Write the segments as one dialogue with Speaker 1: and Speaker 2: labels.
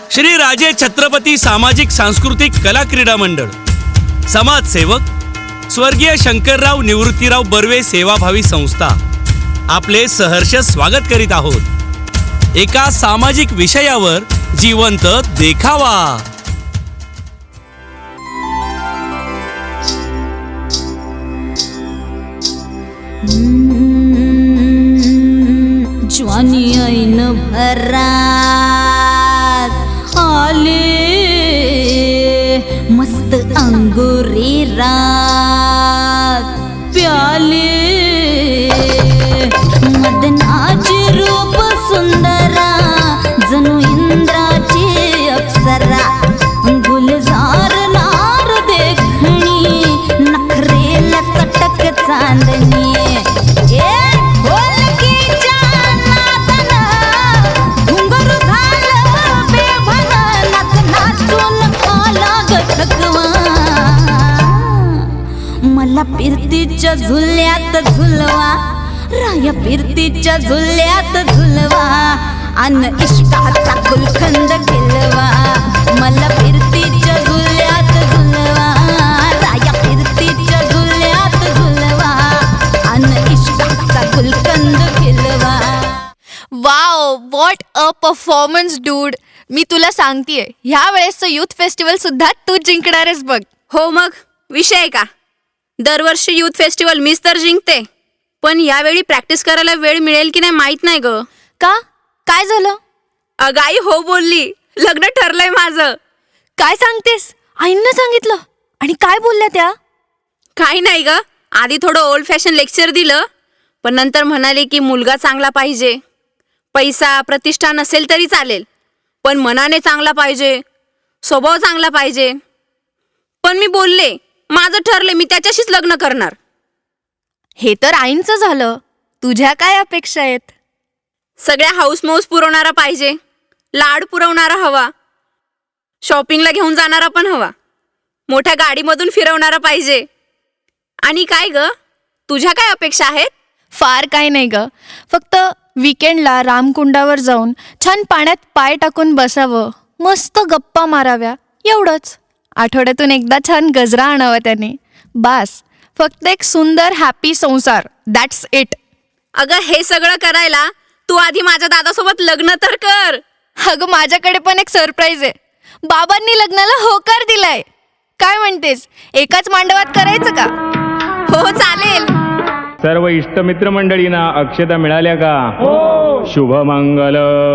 Speaker 1: श्री राजे छत्रपती सामाजिक सांस्कृतिक कला क्रीडा मंडळ, समाजसेवक स्वर्गीय शंकरराव निवृत्तीराव बर्वे सेवाभावी संस्था आपले सहर्ष स्वागत करीत आहोत एका सामाजिक विषयावर जिवंत देखावा।
Speaker 2: ज्वानी ऐन भरात आले मस्त अंगुरी रात प्याले मदनाची रूप सुंदरा जणू इंद्राची अप्सरा गुलजार नार देखणी नखरेला चटक चांदणी मला फिरतीच्या झुल्यात झुलवा राया फिरतीच्या झुल्यात झुलवा अन इष्टाचा गुलखंद खिलवा मला फिरतीच्या झुल्यात झुलवा राया फिरतीच्या झुल्यात झुलवा अन इष्टाचा गुलखंद खिलवा।
Speaker 3: Wow, what a performance dude. मी तुला सांगतेय, ह्या वेळेसचं युथ फेस्टिवल सुद्धा तू जिंकणारेस बघ.
Speaker 4: हो मग विषय का? दरवर्षी युथ फेस्टिवल मीच तर जिंकते, पण यावेळी प्रॅक्टिस करायला वेळ मिळेल की नाही माहित नाही ग.
Speaker 3: का? काय झालं?
Speaker 4: अगाई हो बोलली, लग्न ठरलंय माझं.
Speaker 3: काय सांगतेस? आईंना सांगितलं? आणि काय बोलल्या त्या?
Speaker 4: काही नाही ग, आधी थोडं ओल्ड फॅशन लेक्चर दिलं, पण नंतर म्हणाले की मुलगा चांगला पाहिजे, पैसा प्रतिष्ठा नसेल तरी चालेल, पण मनाने चांगला पाहिजे, स्वभाव चांगला पाहिजे. पण मी बोलले माझं ठरले, मी त्याच्याशीच लग्न करणार.
Speaker 3: हे तर आईंचं झालं. तुझ्या काय अपेक्षा आहेत?
Speaker 4: सगळ्या हाऊस मौस पुरवणारा पाहिजे, लाड पुरवणारा हवा, शॉपिंगला घेऊन जाणारा पण हवा, मोठ्या गाडीमधून फिरवणारा पाहिजे. आणि काय ग, तुझ्या काय अपेक्षा आहेत?
Speaker 3: फार काय नाही ग, फक्त वीकेंडला रामकुंडावर जाऊन छान पाण्यात पाय टाकून बसावं, मस्त गप्पा माराव्या, एवढंच. आठवड्यातून एकदा छान गजरा आणावा त्याने, बास. फक्त एक सुंदर हॅपी संसार, दॅट्स इट.
Speaker 4: अगं हे सगळं करायला तू आधी माझ्या दादासोबत लग्न तर कर.
Speaker 3: अगं माझ्याकडे पण एक सरप्राईज आहे. बाबांनी लग्नाला होकार दिलाय. काय म्हणतेस, एकाच मांडवात करायचं का?
Speaker 4: हो चालेल.
Speaker 5: सर्व इष्टमित्र मंडळींना अक्षता मिळाल्या का? हो. शुभमंगल.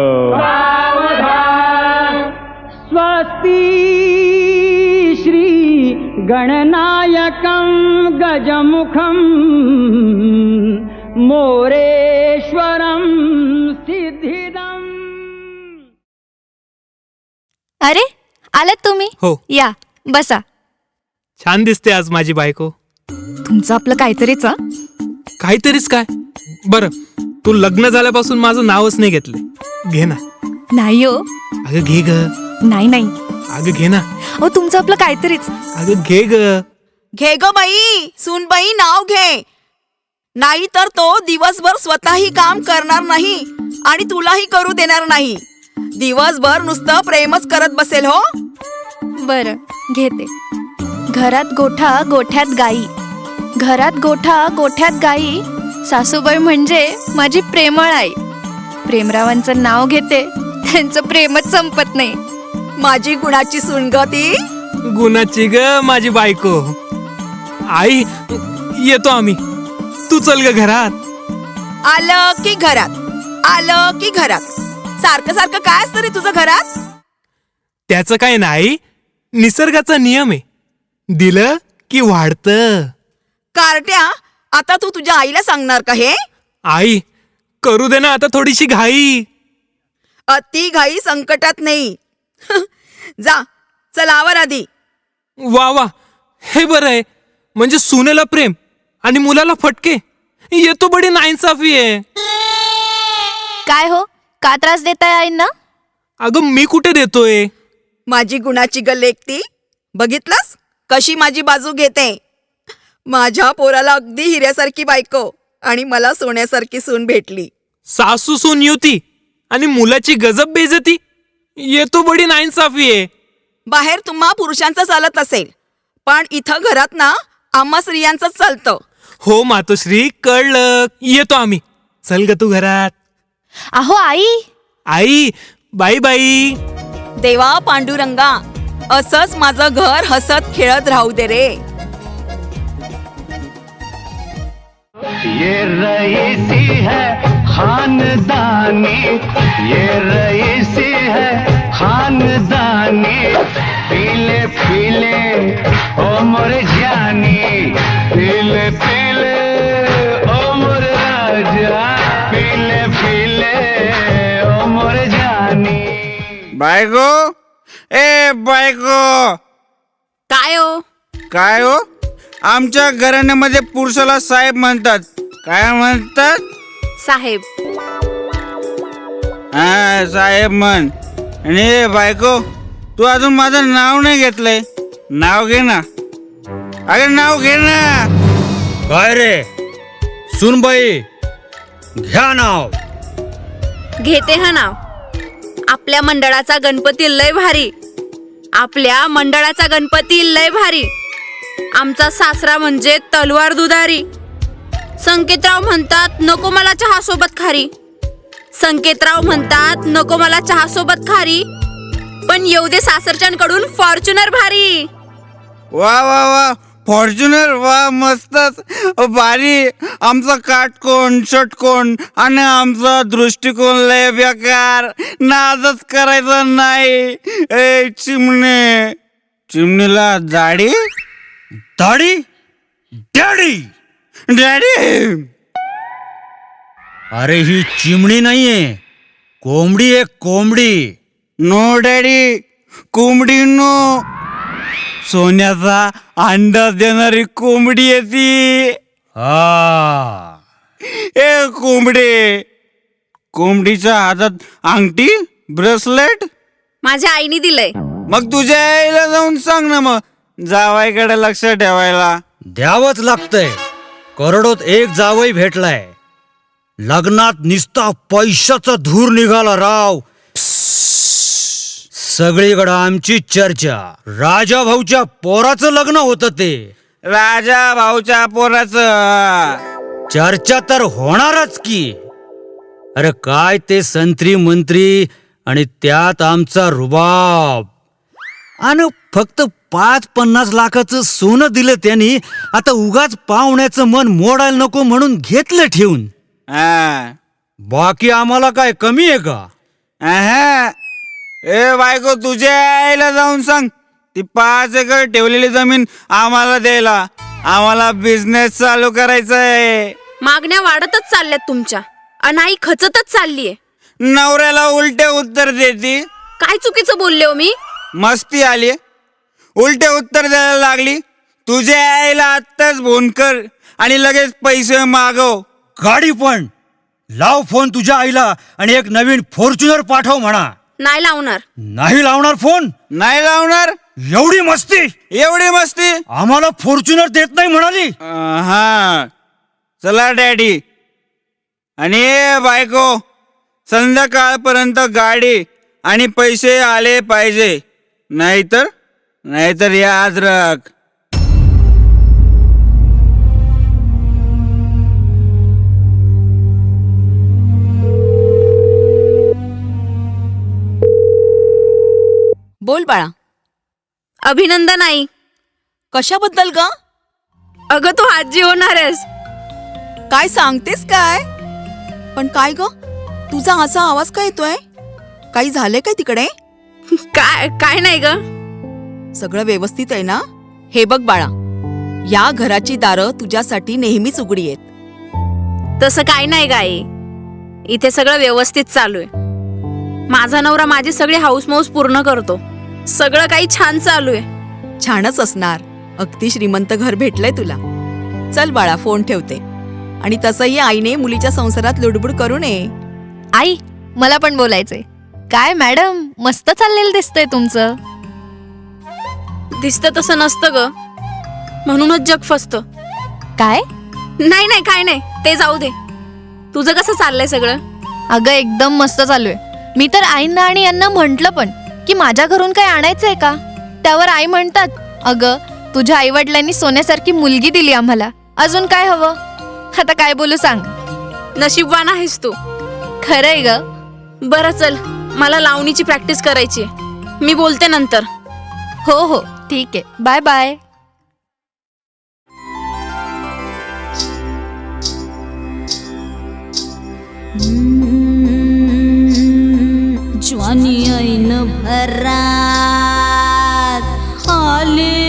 Speaker 6: स्वस्ती श्री गणनायकं गजमुखं मोरेश्वरं सिद्धिदम्.
Speaker 3: अरे आलात तुम्ही?
Speaker 7: हो.
Speaker 3: या बसा.
Speaker 7: छान दिसते आज माझी बायको.
Speaker 3: तुमचं आपलं काहीतरीच.
Speaker 7: काहीतरीच काय? बरं, तू लग्न झाल्यापासून माझं नावच नाही घेतलं. घे ना.
Speaker 3: नाही हो.
Speaker 7: अगं घे ग.
Speaker 3: नाही नाही.
Speaker 7: अगं घे ना.
Speaker 3: अहो तुमचं आपलं काहीतरीच.
Speaker 7: अगं घे ग.
Speaker 8: घे ग बाई, सूनबाई नाव घे, नाही तर तो दिवसभर स्वतःही काम करणार नाही आणि तुलाही करू देणार नाही. दिवसभर नुसतं प्रेमच करत बसेल. हो
Speaker 3: बरं घेते. घरात गोठा गोठ्यात गाई, घरात गोठा गोठ्यात गाई, सासूबाई म्हणजे माझी प्रेमळ आई. प्रेमरावांचं नाव घेते, त्यांचं प्रेमच संपत नाही.
Speaker 8: माझी गुणाची सून ग ती.
Speaker 7: गुणाची ग माझी बायको. आई येतो आम्ही, तू चल ग घरात.
Speaker 8: आलं की घरात, आलं की घरात, सारखं सारखं काय असतं रे तुझं घरात?
Speaker 7: त्याचं काय नाही, निसर्गाचा नियम आहे. दिलं की वाढतं.
Speaker 8: कार्ट्या, आता तू तुझ्या आईला सांगणार का हे?
Speaker 7: आई करू दे ना आता थोडीशी घाई.
Speaker 8: अति घाई संकटात नाही. जा, चल आवर आधी.
Speaker 7: वा वा, हे बरं आहे. म्हणजे सुनेला प्रेम आणि मुलाला फटके. येतो बडी नाइंसाफी आहे.
Speaker 3: काय हो, का त्रास देताय आईंना?
Speaker 7: अगं मी कुठे देतोय?
Speaker 8: माझी गुणाची ग लेक ती. बघितलंस कशी माझी बाजू घेते. माझ्या पोराला अगदी हिऱ्यासारखी बायको आणि मला सोन्यासारखी सून भेटली.
Speaker 7: सासू सून युती आणि मुलाची गजब बेजती. ये तो बडी नाइंसाफी आहे.
Speaker 8: बाहेर तुम्हा पुरुषांचं चालत असेल, पण इथं घरात ना आम्हा स्त्रियांचं चालतं.
Speaker 7: हो मातोश्री, कळलं. येतो आम्ही. चल ग तू घरात.
Speaker 3: अहो आई,
Speaker 7: आई, बाई बाई.
Speaker 8: देवा पांडुरंगा, असंच माझं घर हसत खेळत राहू दे रे.
Speaker 9: ये रईसी है खानदानी, ये रईसी है खानदानी, पीले पीले ओ मोरे जानी, पीले पीले ओ मोरे राजा, पीले पीले ओ मोरे जानी.
Speaker 10: बायको, ए बायको.
Speaker 4: काय हो?
Speaker 10: काय हो? आमच्या घराण्यामध्ये पुरुषाला साहेब म्हणतात. काय म्हणतात?
Speaker 4: साहेब.
Speaker 10: हा, साहेब म्हण. आणि बायको, तू अजून माझं नाव नाही घेतलंय. नाव घे ना. अरे नाव घे ना.
Speaker 1: काय रे सुनबाई, घ्या नाव.
Speaker 4: घेते हा नाव. आपल्या मंडळाचा गणपती लय भारी. आपल्या मंडळाचा गणपती लय भारी. आमचा सासरा म्हणजे तलवार दुधारी. संकेतराव म्हणतात नको मला चहा सोबत खारी. संकेतराव म्हणतात नको मला चहा सोबत खारी, पण येऊ दे सासरच्यांकडून फॉर्च्युनर भारी.
Speaker 10: वा वा वा, फॉर्च्युनर, वा मस्तच भारी. आमचा काटकोन षटकोन आणि आमचा दृष्टिकोन लय बेकार. नादच करायचा नाही. ए चिमणे, चिमणीला दाढी.
Speaker 1: दाढी? Daddy,
Speaker 10: daddy.
Speaker 1: अरे ही चिमणी नाहीये, कोंबडी आहे, कोंबडी.
Speaker 10: नो डॅडी, कोंबडी नो. सोन्याचा अंडा देणारी कोंबडी आहे ती.
Speaker 1: हा,
Speaker 10: ए कोंबडे, कोंबडीच्या हातात अंगठी, ब्रेसलेट.
Speaker 4: माझ्या आईने दिलंय.
Speaker 10: मग तुझ्या आईला जाऊन सांग ना मग जावाईकडे लक्ष ठेवायला.
Speaker 1: द्यावंच लागतंय. करोडोत एक जावई भेटलाय. लग्नात निस्ता पैशाचा धूर निघाला राव. सगळीकडं आमची चर्चा. राजा भाऊच्या पोराचं लग्न होतं ते.
Speaker 10: राजा भाऊच्या पोराचं.
Speaker 1: चर्चा तर होणारच की. अरे काय ते संत्री मंत्री आणि त्यात आमचा रुबाब. आणि फक्त 5-50 लाखाचं सोनं दिलं त्यांनी. आता उगाच पाहुण्याचं मन मोडायला नको म्हणून घेतलं ठेवून. बाकी आम्हाला काय कमी आहे का?
Speaker 10: ए बायको, तुझ्या आईला जाऊन सांग ती 5 एकर ठेवलेली जमीन आम्हाला द्यायला. आम्हाला बिझनेस चालू करायचा आहे.
Speaker 4: मागण्या वाढतच चालल्यात तुमच्या, आणि आई खचतच चाललीये.
Speaker 10: नवऱ्याला उलटे उत्तर देती.
Speaker 4: काय चुकीचं बोलले हो मी?
Speaker 10: मस्ती आली. उलटे उत्तर द्यायला लागली. तुझ्या आईला आत्ताच फोन कर आणि लगेच पैसे मागव.
Speaker 1: गाडी पण लाव फोन तुझ्या आईला आणि एक नवीन फॉर्च्युनर पाठव म्हणा.
Speaker 4: नाही लावणार.
Speaker 1: नाही लावणार फोन?
Speaker 10: नाही लावणार.
Speaker 1: एवढी मस्ती?
Speaker 10: एवढी मस्ती?
Speaker 1: आम्हाला फॉर्च्युनर देत नाही म्हणाली.
Speaker 10: हा, चला डॅडी. आणि बायको, संध्याकाळपर्यंत गाडी आणि पैसे आले पाहिजे. नाहीतर याद राख.
Speaker 8: बोल बाळा.
Speaker 4: अभिनंदन आई.
Speaker 8: कशाबद्दल ग?
Speaker 4: अगं तू आजी होणार आहेस.
Speaker 8: काय सांगतेस काय? पण काय ग, तुझा असा आवाज काय येतोय? काही झालंय काय तिकडे?
Speaker 4: काय नाही ग.
Speaker 8: सगळं व्यवस्थित आहे ना? हे बघ बाळा, या घराची दारं तुझ्यासाठी नेहमीच उघडी आहेत.
Speaker 4: तसं काय नाही ग आई. इथे सगळं व्यवस्थित चालू आहे. माझा नवरा माझी सगळी हाऊसमौस पूर्ण करतो. सगळं काही छान चालू आहे.
Speaker 8: छानच असणार. अगदी श्रीमंत घर भेटलंय तुला. चल बाळा, फोन ठेवते. आणि तसंही आईने मुलीच्या संसारात लुडबुड करू नये.
Speaker 3: आई, मला पण बोलायचंय. काय मॅडम, मस्त चाललेलं दिसतंय तुमचं.
Speaker 4: दिसतं तसं नसतं ग, म्हणूनच जग फसतं.
Speaker 3: काय?
Speaker 4: नाही काय नाही, ते जाऊ दे. तुझं कसं चाललंय सगळं?
Speaker 3: अगं एकदम मस्त चालू आहे. मी तर आईंना आणि यांना म्हंटल पण की माझ्या घरून काही आणायचंय का. त्यावर आई म्हणतात, अगं तुझ्या आईवडिलांनी सोन्यासारखी मुलगी दिली आम्हाला, अजून काय हवं. आता काय बोलू सांग.
Speaker 4: नशीबवान आहेस तू.
Speaker 3: खरंय ग.
Speaker 4: बरं चल, मला लावणीची प्रॅक्टिस करायची. मी बोलते नंतर.
Speaker 3: हो हो ठीक आहे, बाय बाय.
Speaker 2: ज्वानी ऐन भरात आले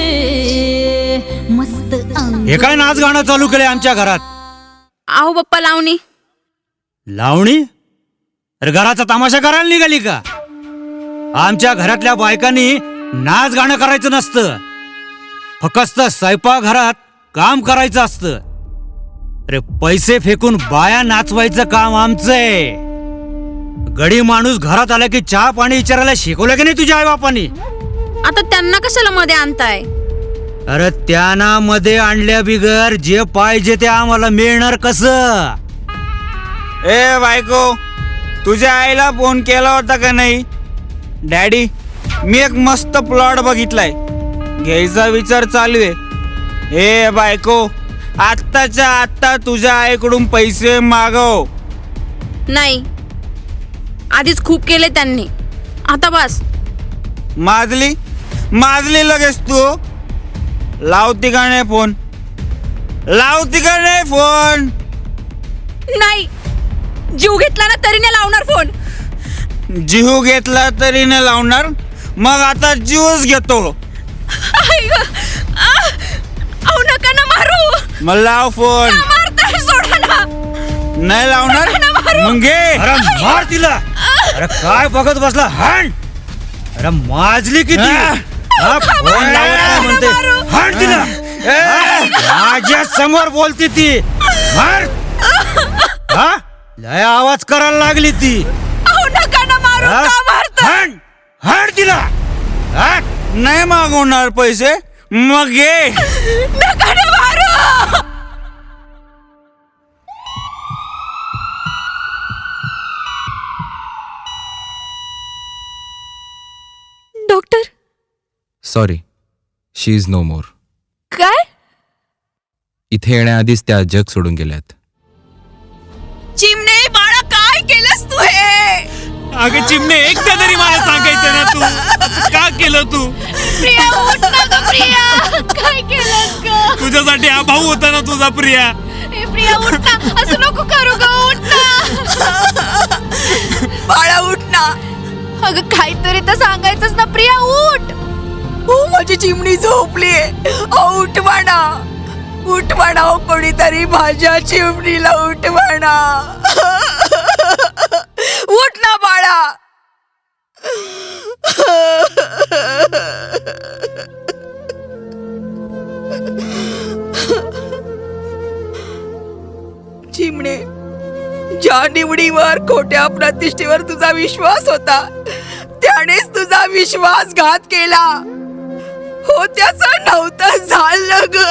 Speaker 2: मस्त अंग.
Speaker 11: हे काय नाच गाणं चालू केलंय आमच्या घरात?
Speaker 4: आहो पप्पा, लावणी.
Speaker 11: लावणी? अरे घराचा तमाशा करायला निघाली का? आमच्या घरातल्या बायकांनी नाच गाणं करायचं नसतं, फक्त स्वयंपाक घरात काम करायचं असतं. अरे पैसे फेकून बाया नाचवायचं काम आमचंय. गडी माणूस घरात आला की चहा पाणी विचारायला शिकवलं की नाही तुझ्या आई बापानी?
Speaker 4: आता त्यांना कशाला मध्ये आणताय?
Speaker 11: अरे त्यांना मध्ये आणल्या बिगर जे पाहिजे ते आम्हाला मिळणार कसं?
Speaker 10: ए बायको, तुझ्या आईला फोन केला होता का नाही? डॅडी, मी एक मस्त प्लॉट बघितलाय, घ्यायचा विचार चालू आहे. ए बायको, आत्ताच्या आत्ता तुझ्या आईकडून पैसे मागव.
Speaker 4: नाही, आधीच खूप केले त्यांनी, आता बस.
Speaker 10: माजली लगेच तू. लावती का नाही फोन? लावती का नाही फोन?
Speaker 4: नाही, जीव घेतला ना तरी नाही लावणार फोन.
Speaker 10: जीव घेतला तरी नाही लावणार? मग आता जीवच घेतो.
Speaker 4: अहो नका ना मारू.
Speaker 10: मग लाव फोन.
Speaker 4: मारताय, सोडा ना.
Speaker 10: नाही लावणार? मग घे.
Speaker 11: अरे मार तिला. अरे काय बघत बसला? हाण. अरे माजली किती? हा, फोन लावत नाही म्हणते. हाण तिला. माझ्या समोर बोलती ती. मार. हा, लय आवाज करायला लागली ती.
Speaker 4: अहो नका ना मारू.
Speaker 11: हा?
Speaker 4: का मारताय?
Speaker 11: हाण. हाण तिला. हा?
Speaker 10: नाही मागवणार पैसे? मग घे.
Speaker 4: नका ना मारू. Doctor,
Speaker 12: sorry, she is no more.
Speaker 3: काय?
Speaker 12: इथे येण्याआधीच त्या जग सोडून गेल्यात.
Speaker 8: चिमणे बाळा, काय केलंस तू हे?
Speaker 1: अगं चिमणे, एकदा तरी मला सांगायचं ना, तू असं का केलं? तू
Speaker 3: प्रिया उठ ना ग प्रिया, काय केलंस ग?
Speaker 1: तुझ्यासाठी हा भाऊ होता ना तुझा, प्रिया.
Speaker 3: ए प्रिया उठ ना, असं नको करू ग, उठ ना.
Speaker 8: बाळा उठ ना.
Speaker 3: अगं काहीतरी तर सांगायचंच ना प्रिया, उठ.
Speaker 8: हो, माझी चिमणी झोपलीये. उठ म्हणा, उठ म्हणा. कोणीतरी माझ्या चिमणीला उठ म्हणा. उठ ना बाळा. चिमणे, ज्या निवडीवर, खोट्या प्रतिष्ठेवर तुझा विश्वास होता, त्यानेच तुझा विश्वासघात केला. हो, त्याचं नव्हतं झालं ग.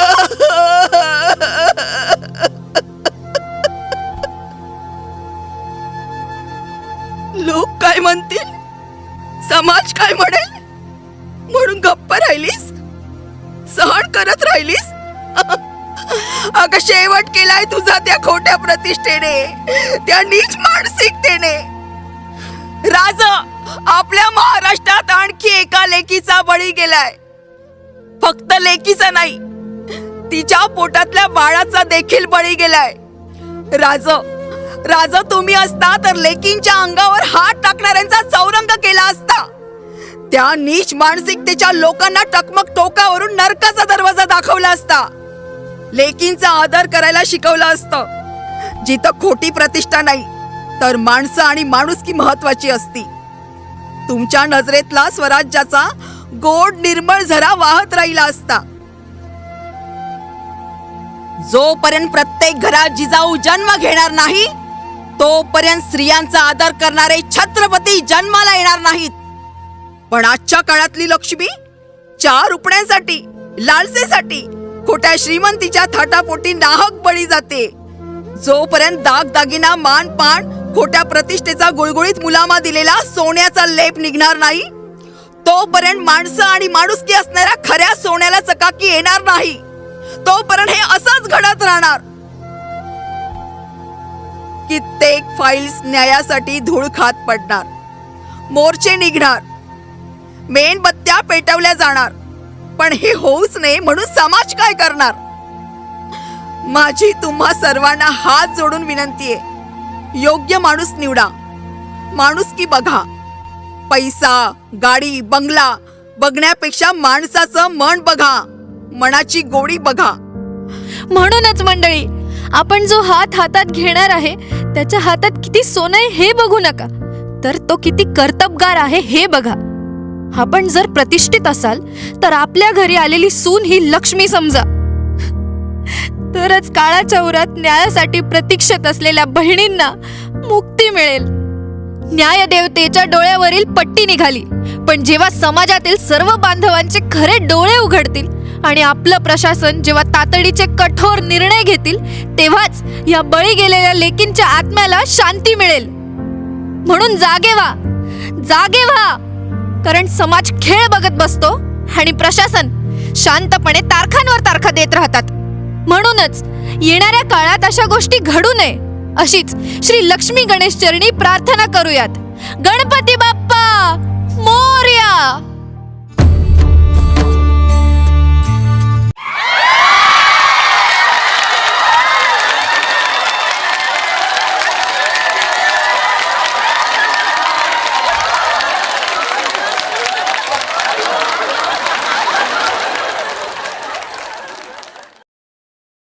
Speaker 8: लोक काय म्हणतील, समाज काय म्हणेल म्हणून गप्प राहिलीस, सहन करत राहिलीस. अगं शेवट केलाय तुझा त्या खोट्या प्रतिष्ठेने, त्या नीच मानसिकतेने. राज, आपल्या महाराष्ट्रात आणखी एका लेकीचा बळी गेलाय. फक्त लेकीचा नाही, तिच्या पोटातल्या बाळाचा देखील बळी गेलाय. राज, तुम्ही असता तर लेकींच्या अंगावर हात टाकणाऱ्यांचा चौरंग केला असता. त्या नीच मानसिकतेच्या लोकांना टकमक टोकावरून नरकाचा दरवाजा दाखवला असता. लेकींचा आदर करायला शिकवलं असतं. जिथं खोटी प्रतिष्ठा नाही, तर माणसं आणि माणुसकी महत्वाची असती. तुमच्या नजरेतला स्वराज्याचा गोड निर्मळ झरा वाहत राहिला असता. जोपर्यंत प्रत्येक घरात जिजाऊ जन्म घेणार नाही, तोपर्यंत स्त्रियांचा आदर करणारे छत्रपती जन्माला येणार नाहीत. पण आजच्या काळातली लक्ष्मी 4 रुपयांसाठी, लालसेसाठी, खोट्या श्रीमंतीच्या थाटापोटी नाहक बळी जाते. जोपर्यंत दागदागिना, मानपान, खोट्या प्रतिष्ठेचा गुळगुळीत मुलामा दिलेला सोन्याचा लेप निघणार नाही तोपर्यंत माणसं आणि माणुसकी असणाऱ्या खऱ्या सोन्याला चकाकी येणार नाही. तोपर्यंत हे असंच घडत राहणार. कित्येक फाईल्स न्यायासाठी धूळ खात पडणार, मोर्चे निघणार, मेणबत्त्या पेटवल्या जाणार. पण हे होऊच नये म्हणून समाज काय करणार? माझी तुम्हा सर्वांना हात जोडून विनंती आहे, योग्य माणूस निवडा, माणुसकी बघा. पैसा, गाडी, बंगला बघण्यापेक्षा माणसाचं मन बघा, मनाची गोडी बघा.
Speaker 3: म्हणूनच मंडळी, आपण जो हात हातात घेणार आहे त्याच्या हातात किती सोनं आहे हे बघू नका, तर तो किती कर्तबगार आहे हे बघा. आपण जर प्रतिष्ठित असाल तर आपल्या घरी आलेली सून ही लक्ष्मी समजा. तरच काळाच्या उरात न्यायासाठी प्रतीक्षेत असलेल्या बहिणींना मुक्ती मिळेल. न्यायदेवतेच्या डोळ्यावरील पट्टी निघाली, पण जेव्हा समाजातील सर्व बांधवांचे खरे डोळे उघडतील आणि आपलं प्रशासन जेव्हा तातडीचे कठोर निर्णय घेतील, तेव्हाच या बळी गेलेल्या लेकींच्या आत्म्याला शांती मिळेल. म्हणून जागे व्हा, जागे व्हा, कारण समाज खेळ बघत बसतो आणि प्रशासन शांतपणे तारखांवर तारखा देत राहतात. म्हणूनच येणाऱ्या काळात अशा गोष्टी घडू नये अशीच श्री लक्ष्मी गणेश चरणी प्रार्थना करूयात. गणपती बाप्पा